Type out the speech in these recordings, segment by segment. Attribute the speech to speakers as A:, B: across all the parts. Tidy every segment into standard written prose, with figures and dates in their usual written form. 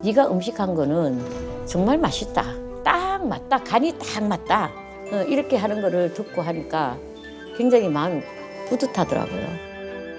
A: 네가 음식한 거는 정말 맛있다. 딱 맞다. 간이 딱 맞다. 이렇게 하는 거를 듣고 하니까 굉장히 마음이 뿌듯하더라고요.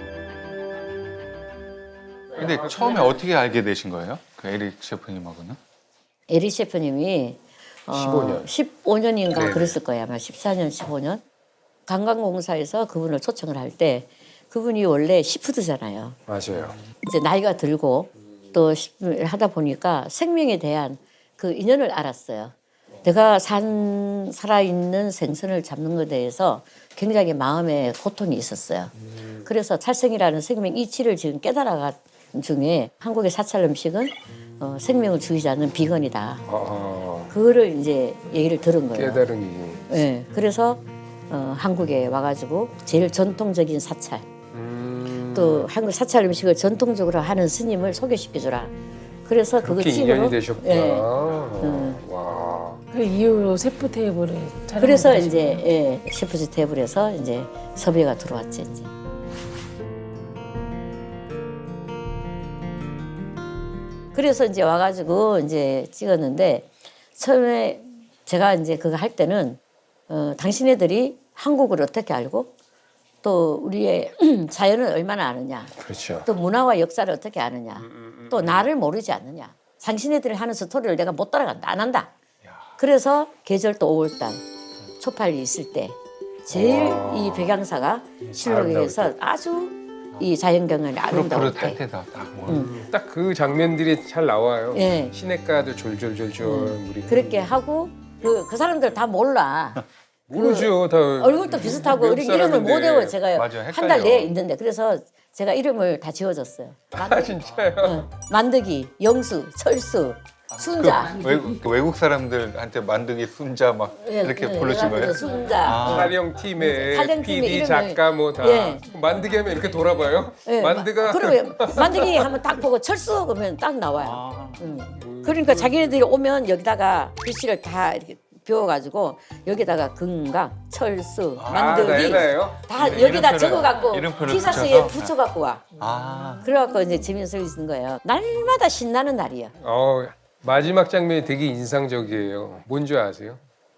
B: 근데 처음에 어떻게 알게 되신 거예요? 그 에릭 셰프님하고는?
A: 에릭 셰프님이
C: 15년.
A: 15년인가
C: 네네.
A: 그랬을 거예요. 아마 14년, 15년. 관광공사에서 그분을 초청을 할 때 그분이 원래 시푸드잖아요.
C: 맞아요.
A: 이제 나이가 들고 또 하다 보니까 생명에 대한 그 인연을 알았어요. 내가 살아있는 생선을 잡는 것에 대해서 굉장히 마음에 고통이 있었어요. 그래서 살생이라는 생명 이치를 지금 깨달아간 중에 한국의 사찰 음식은 생명을 죽이지 않는 비건이다. 그거를 이제 얘기를 들은 거예요.
C: 깨달음이.
A: 네, 그래서 한국에 와가지고 제일 전통적인 사찰, 또 한국 사찰 음식을 전통적으로 하는 스님을 소개시켜주라. 그래서 그거
C: 그렇게
A: 찍으러.
C: 인연이 되셨구나.
A: 예.
C: 와.
D: 그 이후로 셰프 테이블을 촬영.
A: 그래서 이제 셰프즈 테이블에서 이제 섭외가 들어왔지 이제. 그래서 이제 와가지고 이제 찍었는데 처음에 제가 이제 그거 할 때는 당신네들이 한국을 어떻게 알고 또 우리의 자연을 얼마나 아느냐,
C: 그렇죠.
A: 또 문화와 역사를 어떻게 아느냐, 또 나를 모르지 않느냐. 당신네들이 하는 스토리를 내가 못 따라간다, 안 한다. 그래서 계절도 5월달 초팔이 있을 때 제일 이 백양사가 실록에서 아주 이 자연경관이 아름다울
B: 푸릇푸릇 할
A: 때.
B: 때다 딱.
C: 딱 그 장면들이 잘 나와요.
A: 예.
C: 시냇가도 졸졸졸졸 물이.
A: 그렇게 하고 그 사람들 다 몰라.
C: 모르죠. 다
A: 얼굴도 비슷하고
C: 외국
A: 이렇게 이름을 못
C: 사람인데.
A: 외워. 제가
B: 맞아요,
A: 한 달
B: 헷갈려.
A: 내에 있는데 그래서 제가 이름을 다 지어줬어요.
C: 아 진짜요?
A: 만드기, 영수, 철수, 순자.
B: 그 외국 사람들한테 만드기 순자 막 이렇게 부르신 거예요?
A: 순자.
B: 아.
C: 촬영팀에
A: 촬영팀의
C: PD
A: 이름을-
C: 작가 뭐 다
A: 예.
C: 만드기 하면 이렇게 돌아봐요.
A: 예,
C: 만드가
A: 그리고 만드기 하면 딱 보고 철수 그러면 딱 나와요. 그러니까 자기네들이 오면 여기다가 글씨를 다 이렇게 비워가지고 여기다가 금강, 철수, 만드기
C: 나예요?
A: 다
B: 이름-
A: 여기다
B: 이름표를-
A: 적어갖고
B: 이름표를
A: 티셔츠에
B: 붙여서?
A: 붙여갖고 와.
B: 아.
A: 그래갖고 이제 재미있어 있는 거예요. 날마다 신나는 날이야.
C: 마지막 장면이 되게 인상적이에요. 뭔지 아세요?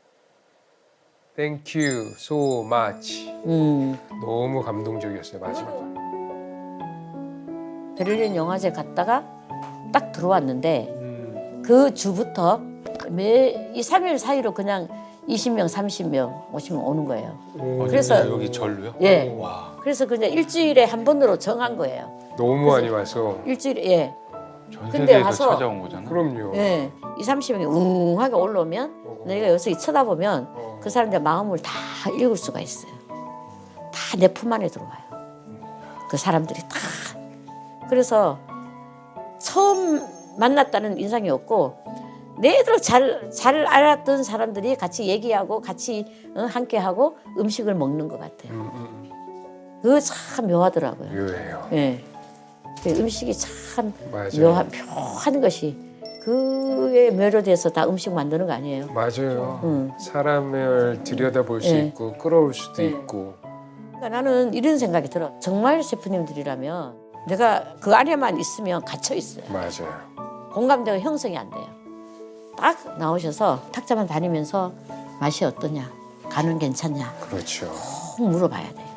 C: Thank you so much. 너무 감동적이었어요 마지막.
A: 베를린 영화제 갔다가 딱 들어왔는데 그 주부터 매 2, 3일 사이로 그냥 20명, 30명, 50명 오는 거예요. 그래서
B: 여기 절로요?
A: 예.
B: 와.
A: 그래서 그냥 일주일에 한 번으로 정한 거예요.
C: 너무 많이 와서.
A: 일주일에 예.
B: 전
A: 근데
B: 세계에서
A: 와서-
B: 찾아온 거잖아.
C: 그럼요.
A: 예. 2, 30명이 웅하게 올라오면 내가 여기서 쳐다보면 그 사람들 마음을 다 읽을 수가 있어요. 다 내 품 안에 들어와요. 그 사람들이 다. 그래서 처음 만났다는 인상이 없고 내들 잘 알았던 사람들이 같이 얘기하고 같이 함께하고 음식을 먹는 것 같아요. 그거 참 묘하더라고요.
C: 묘해요.
A: 예. 그 음식이 참
C: 맞아요.
A: 묘한 것이 그의 묘로 돼서 다 음식 만드는 거 아니에요?
C: 맞아요. 사람을 들여다볼 수
A: 예.
C: 있고 끌어올 수도
A: 예.
C: 있고.
A: 그러니까 나는 이런 생각이 들어. 정말 셰프님들이라면 내가 그 안에만 있으면 갇혀 있어요.
C: 맞아요.
A: 공감대가 형성이 안 돼요. 딱 나오셔서 탁자만 다니면서 맛이 어떠냐, 간은 괜찮냐
C: 그렇죠.
A: 꼭 물어봐야 돼요.